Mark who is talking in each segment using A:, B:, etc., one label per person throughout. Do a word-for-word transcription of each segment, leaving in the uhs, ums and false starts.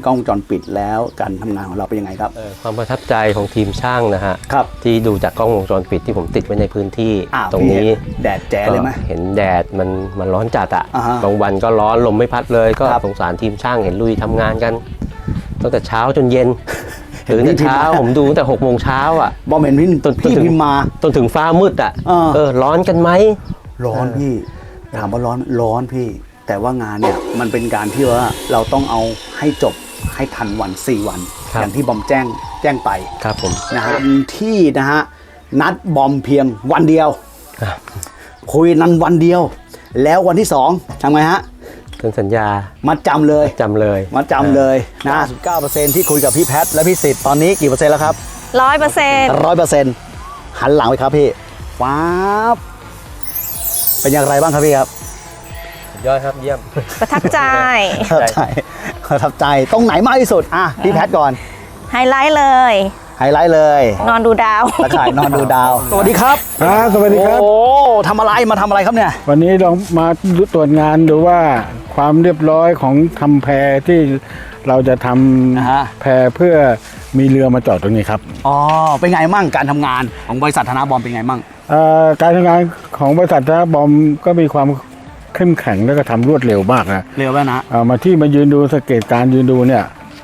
A: กล้องวงจรปิดแล้วการทำงานของเราเป็นยังไงครับ
B: ความประทับใจของทีมช่างนะฮะ
A: ครับ
B: ที่ดูจากกล้องวงจรปิดที่ผมติดไว้ในพื้นที่ตรงนี้
A: แดดแจ๋เลยไหม
B: เห็นแดดมันมันร้อนจัดอ่ะ
A: อ่าฮะ
B: บางวันก็ร้อนลมไม่พัดเลยก็สงสารทีมช่างเห็นลุยทำงานกันตั้งแต่เช้าจนเย็นตื่นแต่เช้าผมดูตั้งแต่หกโมงเช้าอ่ะ
A: บอมเห็นพี่พี่พิมมา
B: จนถึงฟ้ามืดอ่ะเออร้อนกันไหม
A: ร้อนพี่ถามว่าร้อนร้อนพี่แต่ว่างานเนี่ยมันเป็นการที่ว่าเราต้องเอาให้จบให้ทันวันสี่วันอย่างที่บอมแจ้งแจ้งไป
B: ครับผม
A: นะฮะที่นะฮะนัดบอมเพียงวันเดียวคุยนั้นวันเดียวแล้ววันที่สองทำไงฮะ
B: เซ็นสัญญา
A: มัดจำเลย
B: จำเลย
A: มัดจำเลยนะสิบเก้าเปอร์เซ็นต์ที่คุยกับพี่แพทและพี่สิทธิ์ตอนนี้กี่เปอร์เซ็นต์แล้วครับ
C: ร้อยเปอร์เซ็นต์
A: ร้อยเปอร์เซ็นต์หันหลังไปครับพี่ว้าบเป็นอย่างไรบ้างครับพี่ครับ
B: ยอดครับเยี่ยม
C: ประทับใจ
A: ประทับใจประทับใจตรงไหนมากที่สุดอ่ะพี่แพทก่อน
C: ไฮไลท์เลย
A: ไฮไลท์เลย
C: นอนดูดาว
A: ตะข่ายนอนดูดาวสวัสดีครับ
D: ครับสวัสดีครับ
A: โอ้ทำอะไรมาทำอะไรครับเนี่ย
D: วันนี้เรามาตรวจงานดูว่าความเรียบร้อยของทำแพที่เราจะทำแพเพื่อมีเรือมาจอดตรงนี้ครับ
A: อ๋อเป็นไงมั่งการทำงานของบริษัทธนาบอมเป็นไงมั่ง
D: การทำงานของบริษัทธนาบอมก็มีความเข้มแข็งแล้วก็ทำรวดเร็วมากนะ
A: เร็วแล้วนะ
D: มาที่มายืนดูสังเกตการยืนดูเนี่ย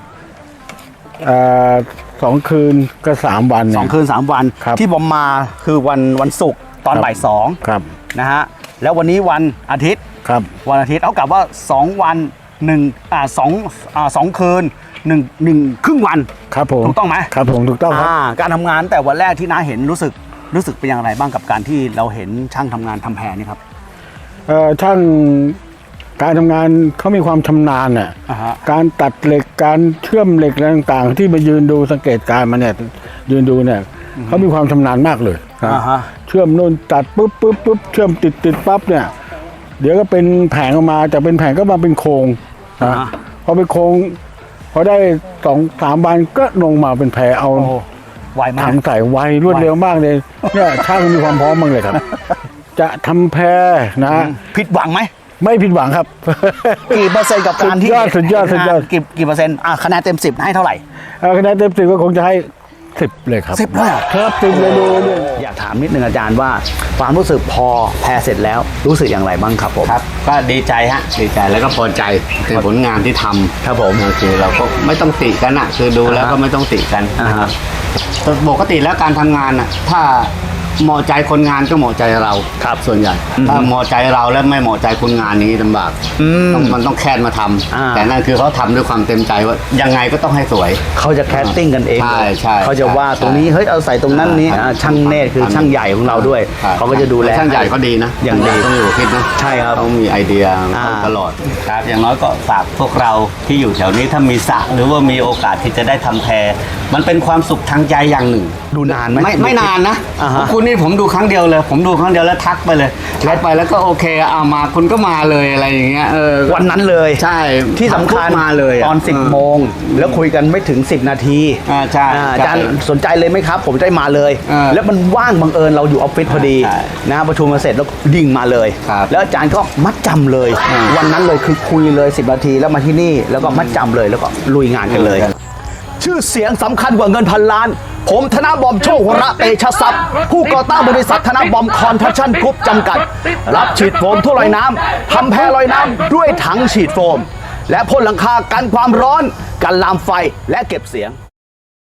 D: สองคืนก็สามวัน
A: สองคืนสามวันที่บอมมาคือวันวันศุกร์ตอนบ่ายสองนะฮะแล้ววันนี้วันอาทิตย์
D: ครับ
A: วันอาทิตย์เอากลับว่าสองวันหนึ่งอ่าสองอ่าสองคืนหนึ่งหนึ่งครึ่งวัน
D: ครับผม
A: ถูกต้องไหม
D: ครับผมถูกต้องครับ
A: การทำงานแต่วันแรกที่น้าเห็นรู้สึกรู้สึกเป็นอย่างไรบ้างกับการที่เราเห็นช่างทำงานทำแพนี่ครับ
D: เอ่อช่างการทำงานเขามีความชำนาญน่ะการตัดเหล็กการเชื่อมเหล็กอะไรต่างๆที่มายืนดูสังเกตการมาเนี่ยยืนดูเนี่ยเขามีความชำนาญมากเลยเชื่อมนู่นตัดปุ๊บปุ๊บปุ๊บเชื่อมติดติดปั๊บเนี่ยเดี๋ยวก็เป็นแผงออกมาจากเป็นแผงก็มาเป็นโครงนะพอเป็นโครงพอได้สองสามวันก็ลงมาเป็นแผงเอาถังใส่ไวรวดเร็วมากเลยเนี่ยช่างมีความพร้อมมากเลยครับจะทำแพนะ
A: ผิดหวังไหม
D: ไม่ผิดหวังครับ
A: กี่เปอร์เซ็นต์กับการที่
D: สุดยอดสุดยอดสุดยอด
A: กี่กี่เปอร์เซ็นต์อ่ะคะแนนเต็มสิบให้เท่าไหร่
D: คะแนนเต็มสิบก็คงจะให้สิบเลยครับ
A: สิบเลย
D: ครับสิบเลยดู
A: อยากถามนิดนึงอาจารย์ว่าความรู้สึกพอแพเสร็จแล้วรู้สึกอย่างไรบ้างครับผม
E: ครับก็ดีใจฮะดีใจแล้วก็พอใจคือผลงานที่ทำ
A: ครับผม
E: คือเราก็ไม่ต้องติกันอ่ะคือดูแล้วก็ไม่ต้องติกันปกติแล้วการทำงานอ่ะถ้าเหมาะใจคนงานก็เหมาะใจเรา
A: ครับ
E: ส่วนใหญ่ถ้าเหมาะใจเราแล้วไม่เหมาะใจคนงานนี้ลำบากต้องมันต้องแค่นมาทำแต่นั่นคือเขาทำด้วยความเต็มใจว่ายังไงก็ต้องให้สวย
A: เขาจะแคสติ้งกันเอง
E: ใช่ใช่
A: เขาจะว่าตรงนี้เฮ้ยเอาใส่ตรงนั้นนี้ช่างเนตรคือช่างใหญ่ของเราด้วยเขาก็จะดูแล
E: ช่างใหญ่ก็ดีนะ
A: อย่างดี
E: ต้องอยู่คิดนะ
A: ใช่ครับ
E: ต้องมีไอเดียตลอดครับอย่างน้อยก็ฝากพวกเราที่อยู่แถวนี้ถ้ามีสระหรือว่ามีโอกาสที่จะได้ทำแพมันเป็นความสุขทางใจอย่างหนึ่ง
A: ดูนานไหม
E: ไม่ไม่นานนะคุณนี่ผมดูครั้งเดียวเลยผมดูครั้งเดียวแล้วทักไปเลยทักไปแล้วก็โอเคเอามาคุณก็มาเลยอะไรอย่างเงี้ยเออ
A: วันนั้นเลย
E: ใช่
A: ที่สำคัญ
E: มาเลย
A: ตอนสิบโมงแล้วคุยกันไม่ถึงสิบนาที
E: อ่าใช่
A: อาจารย์สนใจเลยไหมครับผมได้มาเลยแล้วมันว่างบังเอิญเราอยู่ออฟฟิศพอดีนะประชุมมาเสร็จแล้วดิ่งมาเลยแล้วอาจารย์ก็มัดจำเลยวันนั้นเลยคือคุยเลยสิบนาทีแล้วมาที่นี่แล้วก็มัดจำเลยแล้วก็ลุยงานกันเลยชื่อเสียงสำคัญกว่าเงินพันล้านผมธนบอมโชควระเตชะทรัพย์ผู้ก่อตั้งบริษัทธนบอมคอนสตรัคชั่นกรุ๊ปจำกัดรับฉีดโฟมทั่วลอยน้ำทำแพลอยน้ำด้วยถังฉีดโฟมและพ่นหลังคากันความร้อนกันลามไฟและเก็บเสียง